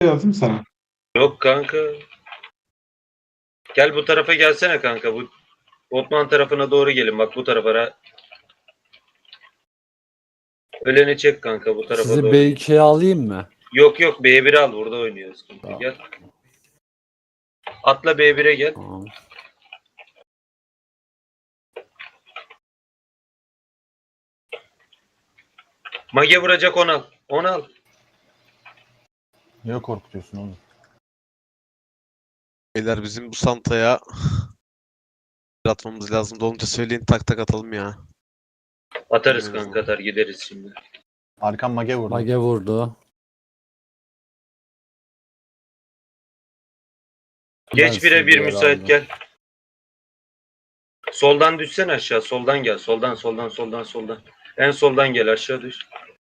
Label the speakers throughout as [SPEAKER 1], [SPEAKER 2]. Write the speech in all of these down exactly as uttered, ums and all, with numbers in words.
[SPEAKER 1] Yazdım sana.
[SPEAKER 2] Yok kanka. Gel bu tarafa gelsene kanka. Bu Botman tarafına doğru gelin. Bak bu tarafa. Öleni çek kanka bu tarafa
[SPEAKER 3] Sizi
[SPEAKER 2] doğru.
[SPEAKER 3] B ikiye alayım mı?
[SPEAKER 2] Yok yok B bir'i al. Burada oynuyoruz. Kanka.
[SPEAKER 3] Tamam.
[SPEAKER 2] Gel. Atla B bir'e gel.
[SPEAKER 3] Tamam.
[SPEAKER 2] Mage vuracak onu al. Onu al.
[SPEAKER 4] Niye korkutuyorsun oğlum?
[SPEAKER 5] Beyler bizim bu Santa'ya atmamız lazım. Dolunca söyleyin tak tak atalım ya.
[SPEAKER 2] Atarız
[SPEAKER 5] Evet.
[SPEAKER 2] kanka atar gideriz şimdi.
[SPEAKER 4] Arkan mage vurdu.
[SPEAKER 3] Mage vurdu.
[SPEAKER 2] Geç
[SPEAKER 3] Ben
[SPEAKER 2] bire bir
[SPEAKER 3] sizi
[SPEAKER 2] müsait
[SPEAKER 3] aldım.
[SPEAKER 2] gel. Soldan düşsen aşağı. Soldan gel. Soldan soldan soldan soldan. En soldan gel aşağı düş.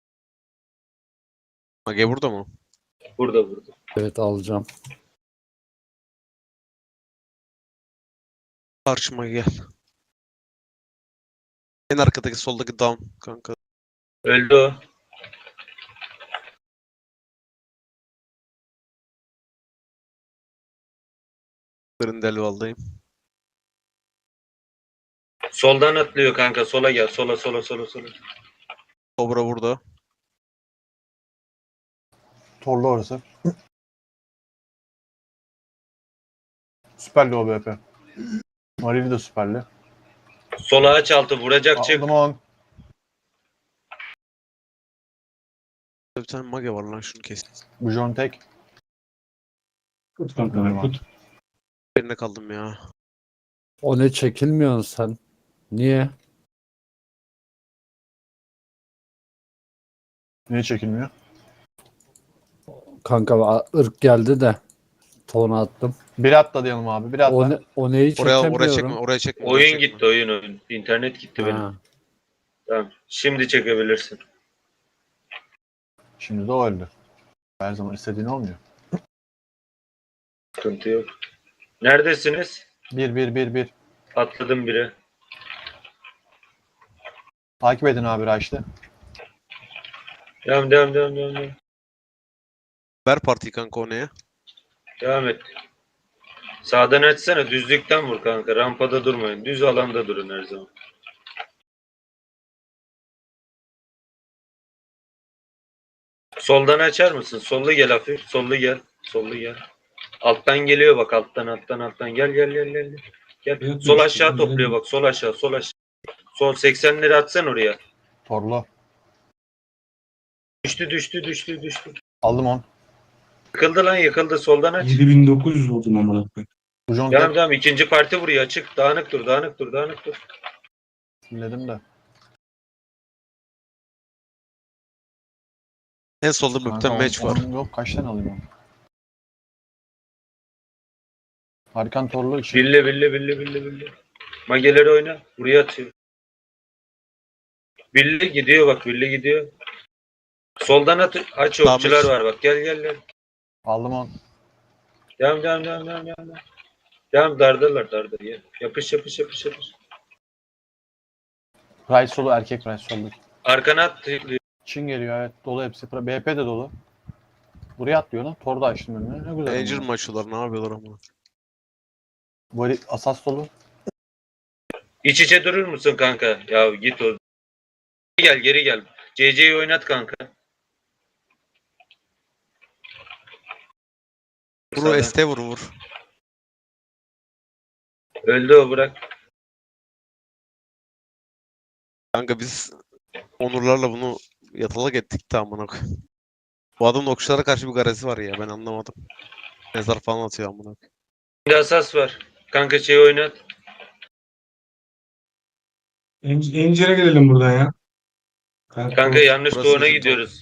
[SPEAKER 5] Mage burada mı?
[SPEAKER 2] Burada burada.
[SPEAKER 3] Evet alacağım.
[SPEAKER 5] Karşıma gel. En arkadaki soldaki down kanka.
[SPEAKER 2] Öldü o.
[SPEAKER 5] Grindelwald'dayım.
[SPEAKER 2] Soldan atlıyor kanka. Sola gel. Sola sola sola sola.
[SPEAKER 5] Cobra burada.
[SPEAKER 4] Torlu orası. Süperli o B P. Marili de süperli.
[SPEAKER 2] Sola aç altı vuracak çık.
[SPEAKER 4] Aldım on.
[SPEAKER 5] Bir tane mage var lan şunu kes.
[SPEAKER 4] Bu John tek.
[SPEAKER 1] Tut kanka. Tut.
[SPEAKER 5] Yerine kaldım ya.
[SPEAKER 3] O ne çekilmiyorsun sen? Niye?
[SPEAKER 4] Niye çekilmiyor?
[SPEAKER 3] Kanka a- ırk geldi de tona attım.
[SPEAKER 4] Bir atla diyelim abi. Bir atla.
[SPEAKER 3] O, ne, o neyi
[SPEAKER 5] Oraya
[SPEAKER 3] çekemiyorum.
[SPEAKER 5] oraya çekme, oraya çekme. oraya
[SPEAKER 2] Oyun
[SPEAKER 5] çekme.
[SPEAKER 2] gitti oyun oyun. İnternet gitti benim.
[SPEAKER 3] Ha.
[SPEAKER 2] Tamam. Şimdi çekebilirsin.
[SPEAKER 4] Şimdi de o öldü. Her zaman istediğin olmuyor.
[SPEAKER 2] Sıkıntı yok. Neredesiniz?
[SPEAKER 4] Bir bir bir bir.
[SPEAKER 2] Atladım bire.
[SPEAKER 4] Takip edin abi Raş'ta.
[SPEAKER 2] Devam devam devam devam. Devam,
[SPEAKER 5] Ver partiyi kanka o neye?
[SPEAKER 2] devam et. Sağdan açsana. Düzlükten vur kanka. Rampada durmayın. Düz alanda durun her zaman. Soldan açar mısın? Sollu gel hafif. Sollu gel. Sollu gel. Alttan geliyor bak. Alttan alttan alttan. Gel gel gel gel. Gel.
[SPEAKER 1] Evet,
[SPEAKER 2] Sol
[SPEAKER 1] evet,
[SPEAKER 2] aşağı
[SPEAKER 1] evet.
[SPEAKER 2] topluyor bak. Sol aşağı. Sol aşağı. Sol seksenleri atsan oraya.
[SPEAKER 4] Torlu.
[SPEAKER 2] Düştü düştü düştü düştü.
[SPEAKER 4] Aldım on.
[SPEAKER 2] Yıkıldı lan yıkıldı. Soldan aç.
[SPEAKER 1] yedi bin dokuz yüz oldum amına koyayım.
[SPEAKER 4] Bu John
[SPEAKER 2] Devam
[SPEAKER 4] tek.
[SPEAKER 2] devam. İkinci parti vuruyor. Açık. Dağınık dur. Dağınık dur. Dağınık dur.
[SPEAKER 4] Dinledim de.
[SPEAKER 5] En solda bir
[SPEAKER 4] Kanka,
[SPEAKER 5] tane match
[SPEAKER 4] on-
[SPEAKER 5] var.
[SPEAKER 4] on Yok kaç tane alayım onu? Arkan torlu için.
[SPEAKER 2] Bille bille bille bille bille. Mageleri oyna. Buraya atıyor. Bille gidiyor bak. Bille gidiyor. Soldan at. Aç
[SPEAKER 5] Tamam,
[SPEAKER 2] okçular
[SPEAKER 5] aç.
[SPEAKER 2] var bak. Gel gel gel.
[SPEAKER 4] Aldım on.
[SPEAKER 2] Devam devam devam devam devam. Devam dardalar darda. Gel. Yapış yapış yapış yapış.
[SPEAKER 4] Rice solu erkek Rice solu.
[SPEAKER 2] Arkana at.
[SPEAKER 4] Çin geliyor evet. Dolu hepsi. B P de dolu. Buraya atlıyor lan. Torda açtım önüne. Ne güzel.
[SPEAKER 5] Angel
[SPEAKER 4] ama.
[SPEAKER 5] mi açıyorlar ne yapıyorlar ama.
[SPEAKER 4] Bu herif asas dolu.
[SPEAKER 2] İç içe durur musun kanka? Ya git o. Geri gel geri gel. C C'yi oynat kanka.
[SPEAKER 5] Vur o S T vur vur.
[SPEAKER 2] Öldü o bırak.
[SPEAKER 5] Kanka biz Onurlarla bunu yatalak ettik de amına koyayım. Bu adamın okçulara karşı bir garezi var ya ben anlamadım. Mezar falan atıyor amına koyayım.
[SPEAKER 2] Şimdi asas var. Kanka şeyi oynat.
[SPEAKER 1] En- Encere gelelim buradan ya. Kanka,
[SPEAKER 2] Kanka yanlış
[SPEAKER 5] Burası
[SPEAKER 2] doğuna
[SPEAKER 5] bizim
[SPEAKER 2] gidiyoruz.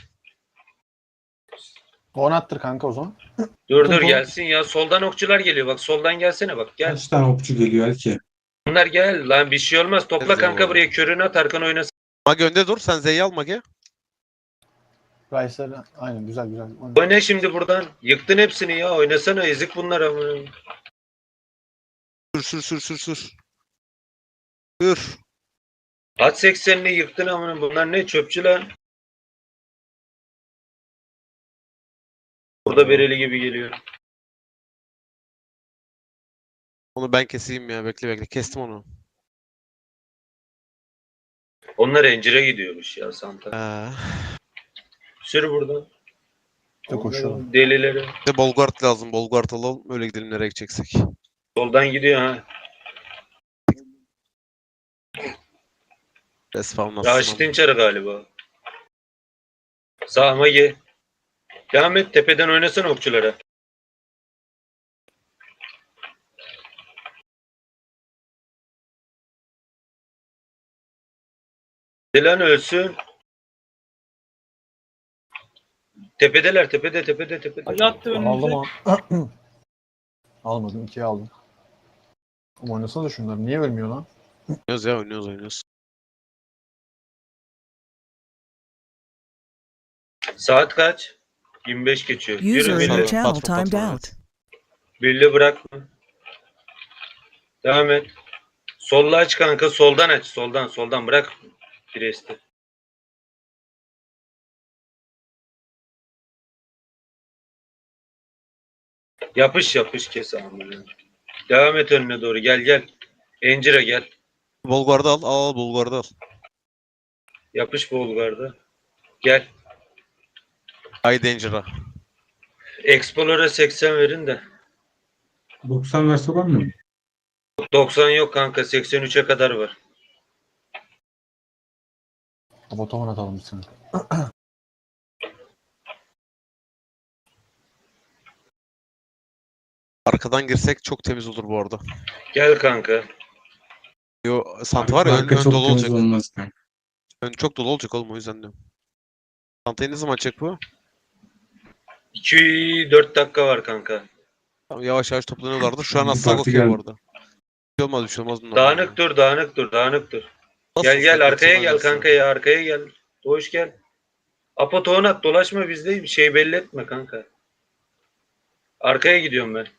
[SPEAKER 4] On attır kanka o zaman.
[SPEAKER 2] Dur dur
[SPEAKER 4] Tamam.
[SPEAKER 2] gelsin ya. Soldan okçular geliyor. Bak soldan gelsene bak. Gel.
[SPEAKER 1] kaç tane okçu geliyor Elke?
[SPEAKER 2] Bunlar gel. Lan bir şey olmaz. Topla
[SPEAKER 5] Gel
[SPEAKER 2] kanka
[SPEAKER 5] zaman.
[SPEAKER 2] buraya. Körünü at. Arkan oynasın.
[SPEAKER 5] Mage önde dur sen Z'yi al Mage.
[SPEAKER 4] Rice'ları aynen güzel güzel.
[SPEAKER 2] Oyna şimdi buradan. Yıktın hepsini ya. Oynasana. Ezik bunlar ama.
[SPEAKER 5] Sür sür sür sür sür. Sür.
[SPEAKER 2] At seksenini yıktın ama bunlar ne çöpçü lan. Burada bereli gibi geliyor.
[SPEAKER 5] Onu ben keseyim ya. Bekle bekle. Kestim onu.
[SPEAKER 2] Onlar encire gidiyormuş ya Santa.
[SPEAKER 5] Ee,
[SPEAKER 2] Sür buradan.
[SPEAKER 4] İşte koşuyorum.
[SPEAKER 2] Delileri.
[SPEAKER 5] bir de Bolgard lazım. Bolgard alalım. Öyle gidelim nereye gideceksek.
[SPEAKER 2] Soldan gidiyor ha.
[SPEAKER 5] Respawn nasıl?
[SPEAKER 2] Raşit'in çarı galiba. Sağıma gel. Devam et. Tepeden oynasana okçulara. Dilan ölsün. Tepedeler. Tepede tepede tepede.
[SPEAKER 6] Yattı önümüze.
[SPEAKER 4] Aldım o. Almadım. ikiye aldım. Ama oynasana da şunlar. Niye ölmüyor lan?
[SPEAKER 5] Oynuyoruz ya oynuyoruz oynuyoruz.
[SPEAKER 2] Saat kaç? yirmi beş geçiyor. Yürü
[SPEAKER 7] User in
[SPEAKER 2] Billy.
[SPEAKER 7] your channel
[SPEAKER 5] Patron,
[SPEAKER 7] timed
[SPEAKER 5] patron,
[SPEAKER 7] out.
[SPEAKER 5] evet.
[SPEAKER 2] Billy bırakma. Devam et. Solla aç kanka. Soldan aç. Soldan soldan bırak. Piresti. Yapış yapış kes amına. Devam et önüne doğru. Gel gel. Encire gel.
[SPEAKER 5] Bolgard'ı al. Al al Bolgard'ı al.
[SPEAKER 2] Yapış Bolgar'da. Gel.
[SPEAKER 5] Ay Danger'a.
[SPEAKER 2] Explorer'a seksen verin de.
[SPEAKER 1] doksan verse olmuyor mu?
[SPEAKER 2] doksan yok kanka. seksen üçe kadar var.
[SPEAKER 4] Otoman atalım bir sene.
[SPEAKER 5] Arkadan girsek çok temiz olur bu arada.
[SPEAKER 2] Gel kanka.
[SPEAKER 5] Yo, Santa var ya ön,
[SPEAKER 1] Arka
[SPEAKER 5] ön
[SPEAKER 1] çok
[SPEAKER 5] dolu
[SPEAKER 1] temiz
[SPEAKER 5] olacak.
[SPEAKER 1] olmaz kanka.
[SPEAKER 5] Ön çok dolu olacak oğlum o yüzden diyorum. Santa'yı ne zaman açacak bu?
[SPEAKER 2] iki dört dakika var kanka.
[SPEAKER 5] Tamam, yavaş yavaş toplanıyorlardı. Şu an
[SPEAKER 1] Bir
[SPEAKER 5] asla
[SPEAKER 1] parti
[SPEAKER 5] bakıyor bu
[SPEAKER 1] geldi.
[SPEAKER 5] arada. Bir şey olmaz bir şey olmaz bunlar.
[SPEAKER 2] Dağınık dur, dağınık dur, dağınık dur.
[SPEAKER 5] Nasıl
[SPEAKER 2] Gel gel
[SPEAKER 5] sakat
[SPEAKER 2] arkaya gel
[SPEAKER 5] sanırsa.
[SPEAKER 2] kanka ya arkaya gel. Doğuş gel. Apo tohum at dolaşma bizde bir şey belli etme kanka. Arkaya gidiyorum ben.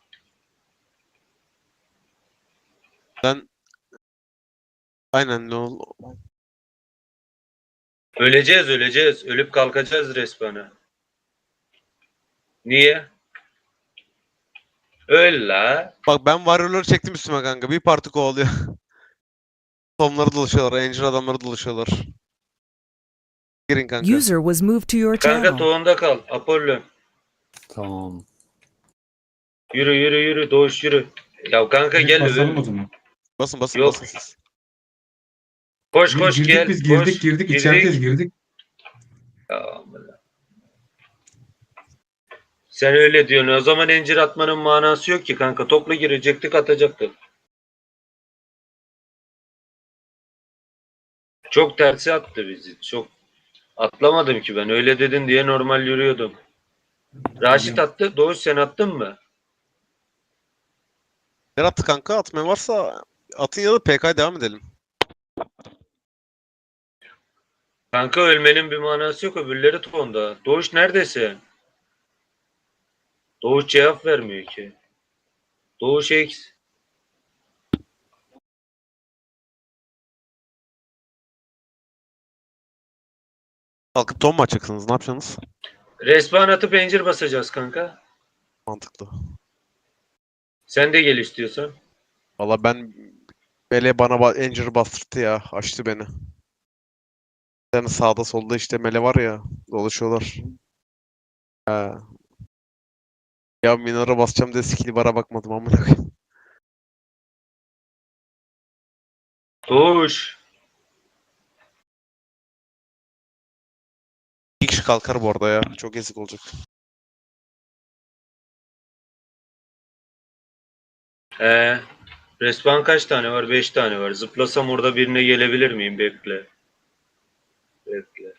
[SPEAKER 5] Ben aynen ne ol
[SPEAKER 2] Öleceğiz öleceğiz. Ölüp kalkacağız respawn'a. Niye? Öl la.
[SPEAKER 5] Bak ben varyoları çektim üstüme kanka. Bir parti kovalıyor. Tomları dolaşıyorlar. Angel adamları dolaşıyorlar. Girin kanka.
[SPEAKER 7] User was moved to your
[SPEAKER 2] Kanka
[SPEAKER 7] channel.
[SPEAKER 2] tohumda kal. Apollo.
[SPEAKER 3] Tamam.
[SPEAKER 2] Yürü yürü yürü. Doğuş yürü. Ya kanka
[SPEAKER 1] Gidip
[SPEAKER 2] gel.
[SPEAKER 1] basalım o
[SPEAKER 2] Öl.
[SPEAKER 1] zaman.
[SPEAKER 5] Basın basın
[SPEAKER 2] Yok.
[SPEAKER 5] basın siz.
[SPEAKER 2] Koş koş
[SPEAKER 1] girdik
[SPEAKER 2] gel.
[SPEAKER 1] biz girdik
[SPEAKER 2] koş.
[SPEAKER 1] girdik içerideyiz girdik.
[SPEAKER 2] Ya amına. Sen öyle diyorsun. O zaman incir atmanın manası yok ki kanka. Topla girecektik atacaktık. Çok tersi attı bizi. Çok atlamadım ki ben. Öyle dedin diye normal yürüyordum. Raşit attı. Doğuş sen attın mı?
[SPEAKER 5] Ne attı kanka? Atmayan varsa atın ya da P K'ya devam edelim.
[SPEAKER 2] Kanka ölmenin bir manası yok. Öbürleri tonda. Doğuş neredesin? Doğuş cevap vermiyor ki. Doğuş X.
[SPEAKER 5] Kalkıp ton mu açacaksınız? Ne yapacaksınız?
[SPEAKER 2] Respawn atıp pencir basacağız kanka.
[SPEAKER 5] Mantıklı.
[SPEAKER 2] Sen de gel istiyorsan.
[SPEAKER 5] Valla ben Mele bana ba- Angel'ı bastırdı ya. Açtı beni. Yani sağda solda işte Mele var ya. Dolaşıyorlar. He. Ya Minora basacağım diye skill bara bakmadım amına koyayım.
[SPEAKER 2] Doğuş.
[SPEAKER 5] Bir kişi kalkar bu arada ya. Çok ezik olacak.
[SPEAKER 2] Ee, respawn kaç tane var? Beş tane var. Zıplasam orada birine gelebilir miyim? Bekle. Bekle.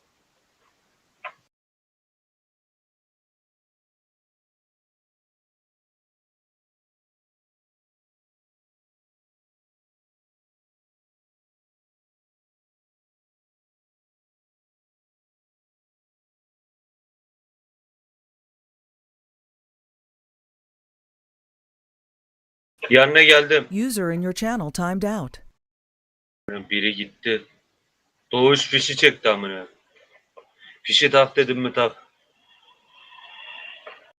[SPEAKER 2] Yanına geldim.
[SPEAKER 7] User in your channel timed out.
[SPEAKER 2] Biri gitti. Doğuş fişi çekti amına. Fişi tak dedim mi tak.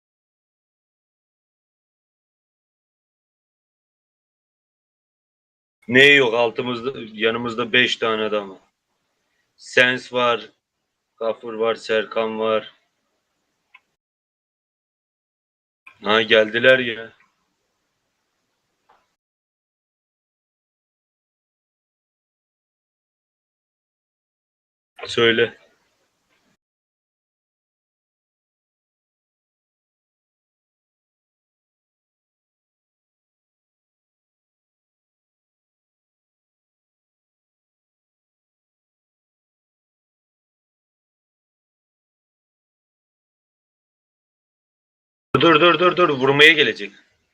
[SPEAKER 2] Ne yok altımızda yanımızda beş tane adam var. Sens var. Gafur var. Serkan var. Ha geldiler ya. Söyle. Dur dur dur dur vurmaya gelecek.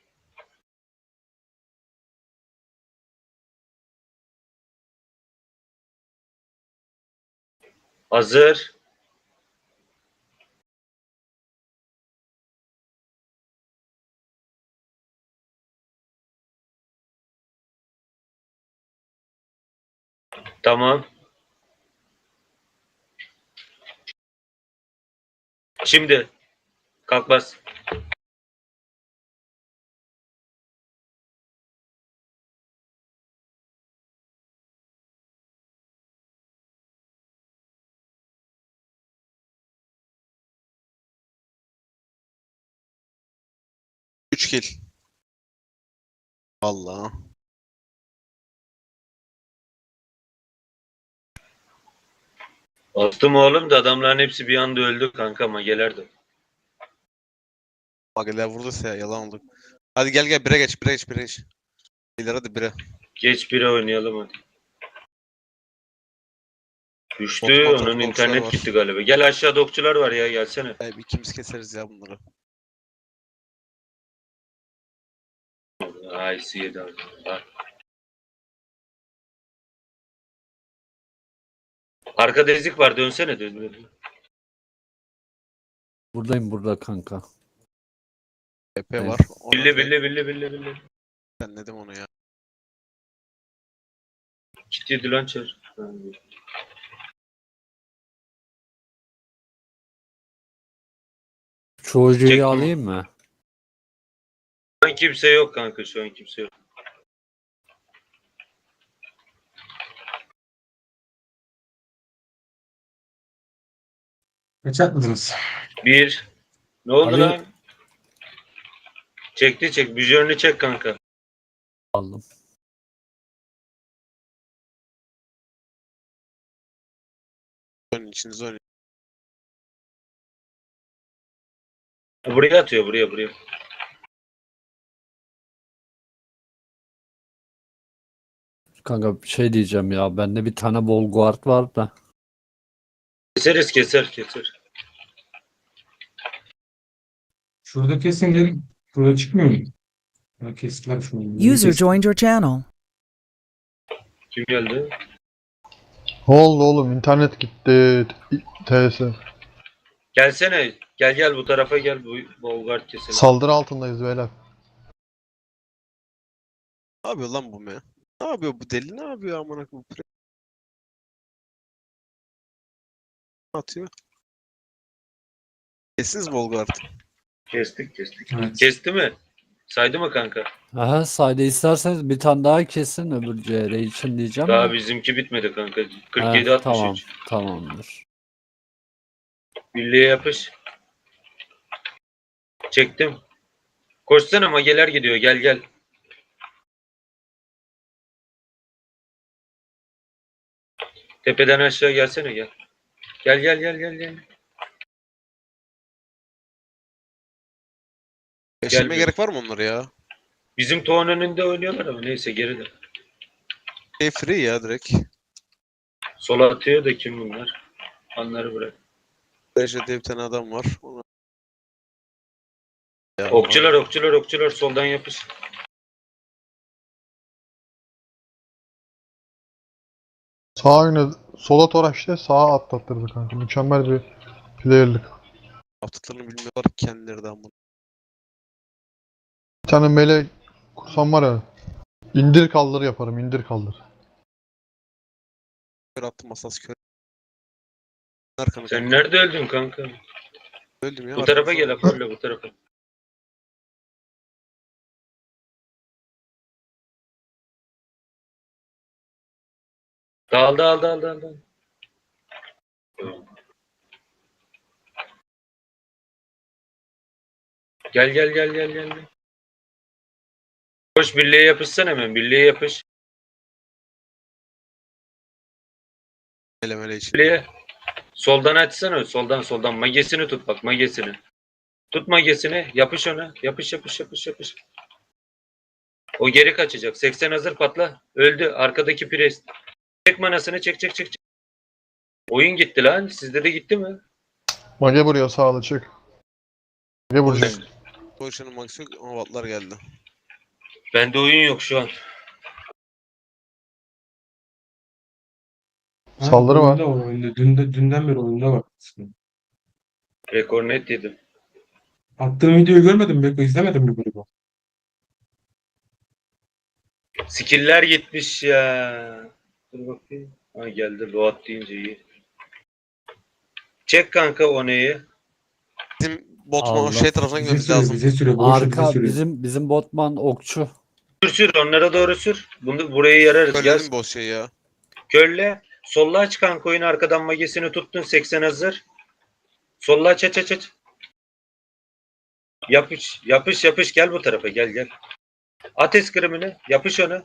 [SPEAKER 2] Hazır. Tamam. Şimdi kalk bas.
[SPEAKER 5] üç kill. Vallahi.
[SPEAKER 2] Attım oğlum da adamların hepsi bir anda öldü kanka ama gelerdi.
[SPEAKER 5] Mageler vurduysa ya yalan oldu. Hadi gel gel bire geç bire geç bire geç. İleri hadi bire.
[SPEAKER 2] Geç bire oynayalım hadi. Düştü
[SPEAKER 5] Bot, bot,
[SPEAKER 2] onun
[SPEAKER 5] bot,
[SPEAKER 2] internet
[SPEAKER 5] okçular var.
[SPEAKER 2] gitti galiba. Gel aşağıda okçular var ya gelsene.
[SPEAKER 5] Ay, ikimiz keseriz ya bunları.
[SPEAKER 2] Ay yedi abi. Bak. Arkada ezik var dönsene dön.
[SPEAKER 3] Buradayım burada kanka.
[SPEAKER 5] E P
[SPEAKER 3] Evet.
[SPEAKER 5] var. Ona
[SPEAKER 2] Billi
[SPEAKER 5] direkt
[SPEAKER 2] billi billi billi billi.
[SPEAKER 5] senledim onu ya.
[SPEAKER 2] Kit yedi lan çar.
[SPEAKER 3] Çocuğu
[SPEAKER 2] Çektim
[SPEAKER 3] alayım mı?
[SPEAKER 2] Şu an kimse yok kanka şu an kimse yok.
[SPEAKER 1] Kaç atmadınız?
[SPEAKER 2] Bir. Ne oldu
[SPEAKER 3] Ali-
[SPEAKER 2] lan? Çekti çek. Vizörünü çek kanka.
[SPEAKER 3] Aldım.
[SPEAKER 5] Oynayın içinize oynayın.
[SPEAKER 2] Buraya atıyor buraya buraya.
[SPEAKER 3] Kanka bir şey diyeceğim ya. Bende bir tane Volguard var da.
[SPEAKER 2] Keseriz keser keser.
[SPEAKER 1] Şurada kesin gelin. Şurada çıkmıyor mu? Ya kestiler şunu. Yeni
[SPEAKER 7] User
[SPEAKER 1] kesti.
[SPEAKER 7] joined your channel.
[SPEAKER 2] Kim geldi?
[SPEAKER 6] Ne oldu oğlum? İnternet gitti. T S.
[SPEAKER 2] Gelsene. Gel gel bu tarafa gel. Bu Bolgard keselim.
[SPEAKER 6] Saldırı altındayız beyler.
[SPEAKER 5] Ne yapıyor lan bu me? Ne yapıyor bu deli? Ne yapıyor amına koyayım? Ne atıyor? Kestiniz Volgard.
[SPEAKER 2] Kestik kestik.
[SPEAKER 1] Evet.
[SPEAKER 2] Kesti mi? Saydı mı kanka?
[SPEAKER 3] Aha sayda isterseniz bir tane daha kesin öbür C R için diyeceğim
[SPEAKER 2] Daha
[SPEAKER 3] de.
[SPEAKER 2] bizimki bitmedi kanka.
[SPEAKER 3] Ha,
[SPEAKER 2] kırk yedi altmış
[SPEAKER 3] tamam,
[SPEAKER 2] üç.
[SPEAKER 3] tamamdır.
[SPEAKER 2] Birliğe yapış. Çektim. Koşsana mageler gidiyor. Gel gel. Tepeden aşağı gelsene gel. Gel gel gel gel gel.
[SPEAKER 5] Yaşamaya
[SPEAKER 2] bir-
[SPEAKER 5] gerek var mı onlara ya?
[SPEAKER 2] Bizim toğun önünde oynuyorlar ama neyse geride.
[SPEAKER 5] Şey free ya direkt.
[SPEAKER 2] Sola atıyor da kim bunlar? Onları bırak.
[SPEAKER 5] Derecede bir tane adam var. Ona... Ya,
[SPEAKER 2] Okçular okçular okçular soldan yapış.
[SPEAKER 6] Sağ yine sola toraştı, sağa atlattırdı kanka. Mükemmel bir player'lık.
[SPEAKER 5] yaptıklarını bilmiyorlar ki kendileri de amına.
[SPEAKER 6] Bir tane mele kursam var ya. İndir kaldır yaparım, indir kaldır.
[SPEAKER 5] Kör attım asas kör. Arkanı
[SPEAKER 2] Sen
[SPEAKER 5] kanka.
[SPEAKER 2] nerede öldün kanka?
[SPEAKER 5] Öldüm ya.
[SPEAKER 2] Bu tarafa
[SPEAKER 5] arkanıza
[SPEAKER 2] gel
[SPEAKER 5] bak.
[SPEAKER 2] Apollo bu tarafa. Dal dal dal dal dal. Gel gel gel gel gel. gel. Koş birliğe yapışsan hemen. Birliğe yapış.
[SPEAKER 5] Mele mele için.
[SPEAKER 2] Birliğe. Soldan açsana. Soldan soldan. Magesini tut bak magesini. Tut magesini. Yapış ona. Yapış yapış yapış yapış. O geri kaçacak. seksen hazır patla. Öldü. Arkadaki pres. Çek manasını çek çek çek. çek. Oyun gitti lan. Sizde de gitti mi?
[SPEAKER 6] Mage vuruyor sağlı çık. Mage vuracak.
[SPEAKER 5] Potion'un max yok ama vatlar geldi.
[SPEAKER 2] Bende oyun yok şu an.
[SPEAKER 1] Ha,
[SPEAKER 6] Saldırı var.
[SPEAKER 1] oyunda var oyunda. Dün de, dünden beri oyunda var.
[SPEAKER 2] Rekor net yedim.
[SPEAKER 1] Attığım videoyu görmedin mi Beko? İzlemedin mi bunu?
[SPEAKER 2] Skill'ler gitmiş ya. Dur bakayım. Ha geldi. Load deyince iyi. Çek kanka o neyi?
[SPEAKER 5] Bizim botman
[SPEAKER 3] Allah.
[SPEAKER 5] şey tarafına
[SPEAKER 1] Bize
[SPEAKER 5] gitmemiz
[SPEAKER 1] sürüyor,
[SPEAKER 5] lazım.
[SPEAKER 1] bize sürüyor. Boşu bize
[SPEAKER 3] Arka
[SPEAKER 1] sürüyor.
[SPEAKER 3] bizim bizim botman okçu.
[SPEAKER 2] Sür sür onlara doğru sür. Bunu burayı yararız. Gel.
[SPEAKER 5] Söyledim boss şey ya.
[SPEAKER 2] Kölle. Solla aç kanka oyunu arkadan magesini tuttun. seksen hazır. Solla aç aç aç aç. Yapış yapış yapış gel bu tarafa gel gel. At eskrimini. Yapış onu.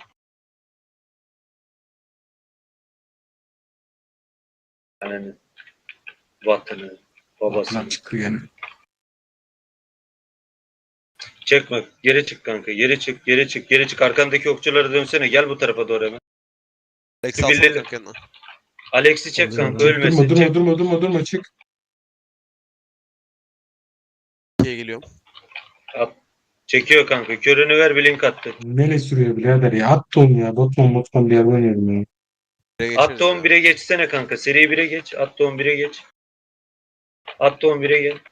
[SPEAKER 2] Yani vatanı babasını.
[SPEAKER 1] Lan çıkıyor yani.
[SPEAKER 2] Çekme. Geri çık kanka. Geri çık. Geri çık. Geri çık. Arkandaki okçulara dönsene. Gel bu tarafa doğru hemen.
[SPEAKER 5] Lex
[SPEAKER 2] Şu
[SPEAKER 5] alsana
[SPEAKER 2] birleri-
[SPEAKER 5] kanka yanına.
[SPEAKER 2] Alex'i çek
[SPEAKER 3] Alacağım
[SPEAKER 2] kanka.
[SPEAKER 3] ben.
[SPEAKER 2] Ölmesin.
[SPEAKER 1] Durma durma
[SPEAKER 2] Çek.
[SPEAKER 1] durma durma durma çık.
[SPEAKER 5] ikiye geliyorum.
[SPEAKER 2] Çekiyor kanka. Körünü ver. Blink attı.
[SPEAKER 1] Mele sürüyor birader ya. At onu ya. Botman botman bir yer oynayalım ya.
[SPEAKER 5] Bire geçeriz
[SPEAKER 2] Attı on bire geçsene kanka. Seri bire geç. Attı on bire geç. Attı on bire gel.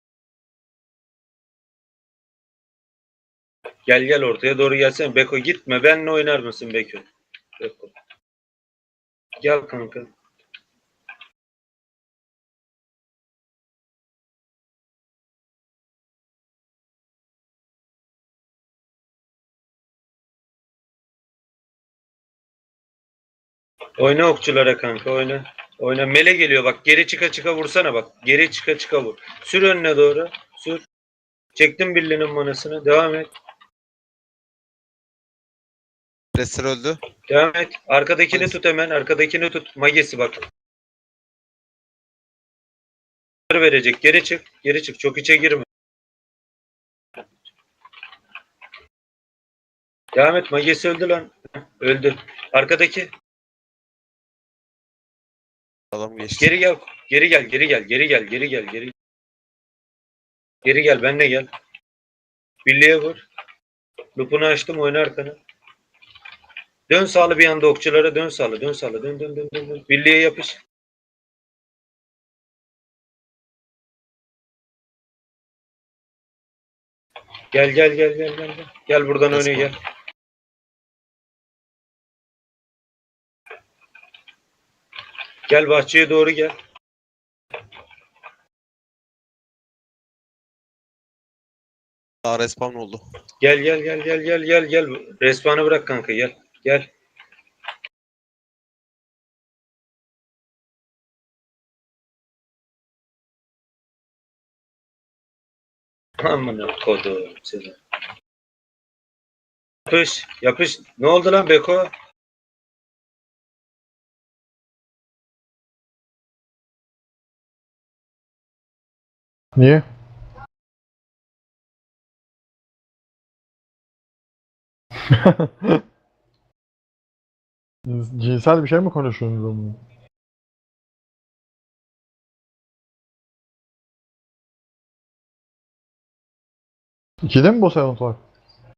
[SPEAKER 2] Gel gel ortaya doğru gelsene. Beko gitme. Benle oynar mısın Beko? Beko. Gel kanka. Oyna okçulara kanka oyna. Oyna. Mele geliyor bak. Geri çıka çıka vursana bak. Geri çıka çıka vur. Sür önüne doğru. Sür. Çektim birliğinin manasını. Devam et.
[SPEAKER 5] Rester öldü.
[SPEAKER 2] Devam et. Arkadakini
[SPEAKER 5] Hadi.
[SPEAKER 2] tut hemen. Arkadakini tut. Magesi bak. Verecek. Geri çık. Geri çık. Çok içe girme. Devam et. Magesi öldü lan. Öldü. Arkadaki.
[SPEAKER 5] Adam geçti.
[SPEAKER 2] Geri gel. Geri gel. Geri gel. Geri gel. Geri gel. Geri Geri gel. Benle gel. Birliğe vur. Lupunu açtım. Oyna arkana. Dön sağlı bir anda okçulara. Dön sağlı. Dön sağlı. Dön dön dön dön. dön. Birliğe yapış. Gel gel gel gel gel. Gel, gel buradan
[SPEAKER 5] Resmen.
[SPEAKER 2] öne gel. Gel bahçeye doğru gel.
[SPEAKER 5] Daha respawn oldu.
[SPEAKER 2] Gel gel gel gel gel gel gel. Respawn'ı bırak kanka gel. Gel. Amına kodum seni. Yapış, yapış. Ne oldu lan Beko?
[SPEAKER 6] Niye? Cinsel bir şey mi konuşuyorsunuz onunla? İkide mi boss event var?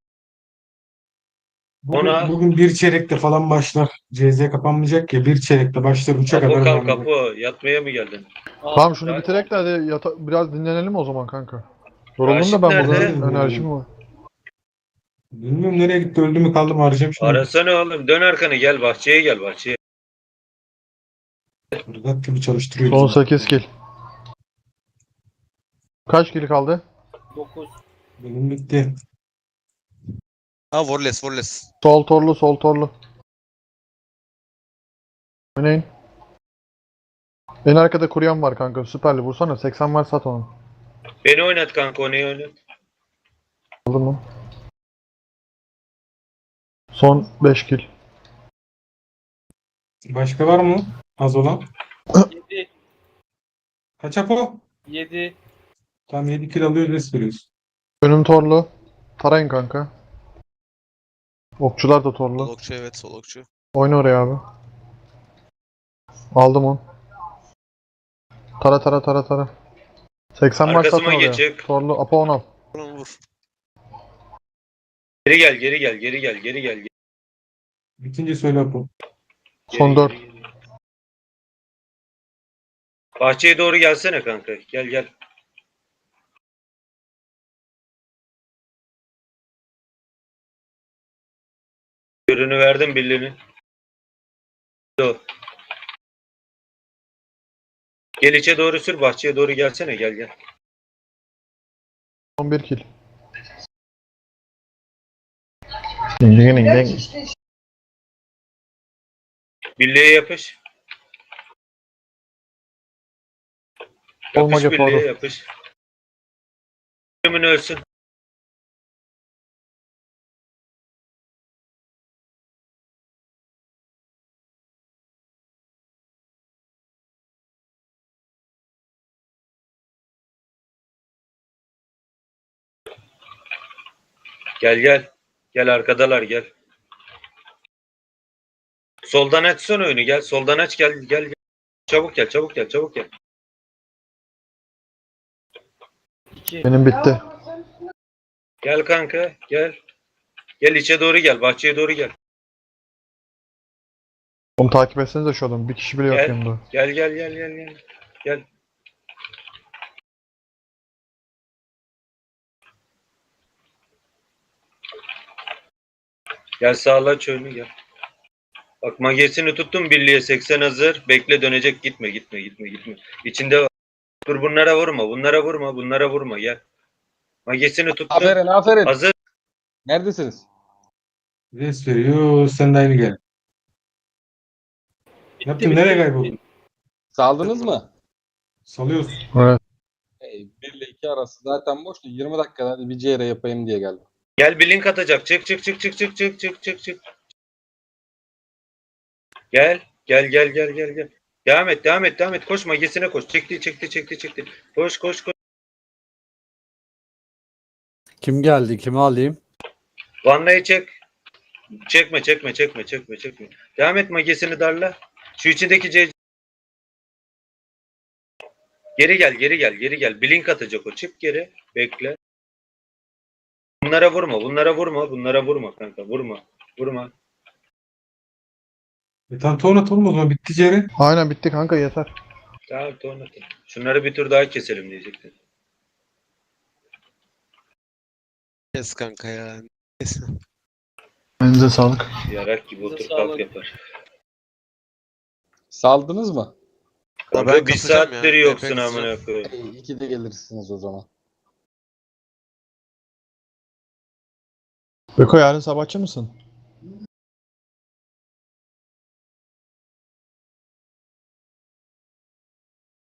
[SPEAKER 1] Bugün,
[SPEAKER 2] Ona-
[SPEAKER 1] bugün bir çeyrekte falan başlar. C Z kapanmayacak ya. Bir çeyrekte başlar. Üçe
[SPEAKER 2] Kapı
[SPEAKER 1] kadar
[SPEAKER 2] kal
[SPEAKER 1] devam eder.
[SPEAKER 2] kapı. Yatmaya mı geldin?
[SPEAKER 6] Tamam şunu
[SPEAKER 2] Ya-
[SPEAKER 6] bitirek de hadi yata- biraz dinlenelim o zaman kanka. Yoruldum
[SPEAKER 2] Raşit
[SPEAKER 6] da ben
[SPEAKER 2] nerede?
[SPEAKER 6] burada enerjim var.
[SPEAKER 1] Bilmiyorum nereye gitti. Öldü mü kaldı mı arayacağım şimdi.
[SPEAKER 2] Arasana oğlum. Dön arkanı gel bahçeye gel bahçeye.
[SPEAKER 1] Irgat gibi çalıştırıyor.
[SPEAKER 6] Son
[SPEAKER 1] bizi.
[SPEAKER 6] sekiz kill. Kaç kill kaldı?
[SPEAKER 1] Benim bitti.
[SPEAKER 5] Ha Warless Warless.
[SPEAKER 6] Sol torlu sol torlu. Oynayın. En arkada kuruyan var kanka. Süperli vursana. seksen var sat onu.
[SPEAKER 2] Beni oynat kanka, onu oynat.
[SPEAKER 6] Aldın mı? Son beş kill.
[SPEAKER 1] Başka var mı? Az olan.
[SPEAKER 8] yedi.
[SPEAKER 1] Kaç Apo?
[SPEAKER 8] yedi.
[SPEAKER 1] Tam yedi kill alıyor, res veriyoruz.
[SPEAKER 6] Önüm torlu. Tarayın kanka. Okçular da torlu.
[SPEAKER 5] Solokçu, evet solokçu.
[SPEAKER 6] Oyna oraya abi. Aldım onu. Tara tara tara tara. seksen var
[SPEAKER 2] Arkasıma
[SPEAKER 6] satın oraya.
[SPEAKER 2] geçecek.
[SPEAKER 6] Torlu. Apo on al.
[SPEAKER 5] Vur vur.
[SPEAKER 2] Geri gel, geri gel, geri gel, geri gel. Geri,
[SPEAKER 1] Bitince söyle Apo.
[SPEAKER 6] Son dört.
[SPEAKER 2] geri, geri. Bahçeye doğru gelsene kanka. Gel gel. Ürünü verdim birliğini. O. Gel içe doğru sür, bahçeye doğru gelsene, gel gel.
[SPEAKER 6] Son bir kill. Ding ding ding ding.
[SPEAKER 2] Birliğe yapış.
[SPEAKER 6] Olma
[SPEAKER 2] Yapış birliğe
[SPEAKER 6] yapalım.
[SPEAKER 2] yapış. Ürünün ölsün. Gel gel. Gel arkadalar gel. Soldan açsana oyunu, gel. Soldan aç, gel gel gel. Çabuk gel, çabuk gel, çabuk gel.
[SPEAKER 8] iki.
[SPEAKER 6] Benim bitti.
[SPEAKER 2] Gel kanka, gel. Gel içe doğru gel, bahçeye doğru gel.
[SPEAKER 6] Onu takip etsenize şu adamı. Bir kişi bile yok
[SPEAKER 2] Gel.
[SPEAKER 6] yanında.
[SPEAKER 2] Gel gel gel gel gel. Gel. Gel sağla aç oyunu gel. Bak magesini tuttum birliğe, seksen hazır. Bekle, dönecek, gitme gitme gitme gitme. İçinde var. Dur, bunlara vurma, bunlara vurma, bunlara vurma, gel. Magesini tuttum.
[SPEAKER 9] Aferin aferin.
[SPEAKER 2] Hazır.
[SPEAKER 9] Neredesiniz?
[SPEAKER 1] Res veriyor. Sen de aynı gel.
[SPEAKER 8] Bitti,
[SPEAKER 1] Yaptın,
[SPEAKER 8] bitti,
[SPEAKER 1] nereye
[SPEAKER 8] bitti.
[SPEAKER 1] kayboldun?
[SPEAKER 9] Saldınız mı?
[SPEAKER 1] Salıyoruz.
[SPEAKER 6] Evet.
[SPEAKER 9] Hey, bir ile iki arası zaten boştu. yirmi dakikada hadi bir C R yapayım diye geldim.
[SPEAKER 2] Gel, bir link atacak. Çık çık çık çık çık çık çık çık çık. Gel. Gel gel gel gel gel. Devam et, devam et, devam et. Koş, magesine koş. Çekti çekti çekti çekti. Koş koş koş.
[SPEAKER 3] Kim geldi? Kimi alayım?
[SPEAKER 2] Vanlayı çek. Çekme çekme çekme çekme çekme. Devam et, magesini darla. Şu içindeki C. Geri gel, geri gel, geri gel. Blink atacak o. Çık geri. Bekle. Bunlara vurma, bunlara vurma, bunlara vurma kanka. Vurma. Vurma.
[SPEAKER 1] E tamam, tornat olmaz mı? Bitti Ceren.
[SPEAKER 6] Aynen bitti kanka yeter.
[SPEAKER 2] Tamam, tamam. Şunları bir tur daha keselim diyecektim.
[SPEAKER 5] Kes kanka ya. Kes.
[SPEAKER 6] Elinize sağlık.
[SPEAKER 2] Yarak gibi otur
[SPEAKER 8] Size
[SPEAKER 2] kalk
[SPEAKER 8] sağlık.
[SPEAKER 2] yapar.
[SPEAKER 9] Saldınız mı?
[SPEAKER 5] Ya
[SPEAKER 2] Kanka
[SPEAKER 5] ben
[SPEAKER 2] bir
[SPEAKER 5] kasacağım
[SPEAKER 2] saattir
[SPEAKER 5] ya.
[SPEAKER 2] yoksun
[SPEAKER 5] B P kasacağım.
[SPEAKER 2] amına koyayım.
[SPEAKER 9] Hey, ikide gelirsiniz o zaman.
[SPEAKER 6] Beko yarın sabahçı mısın?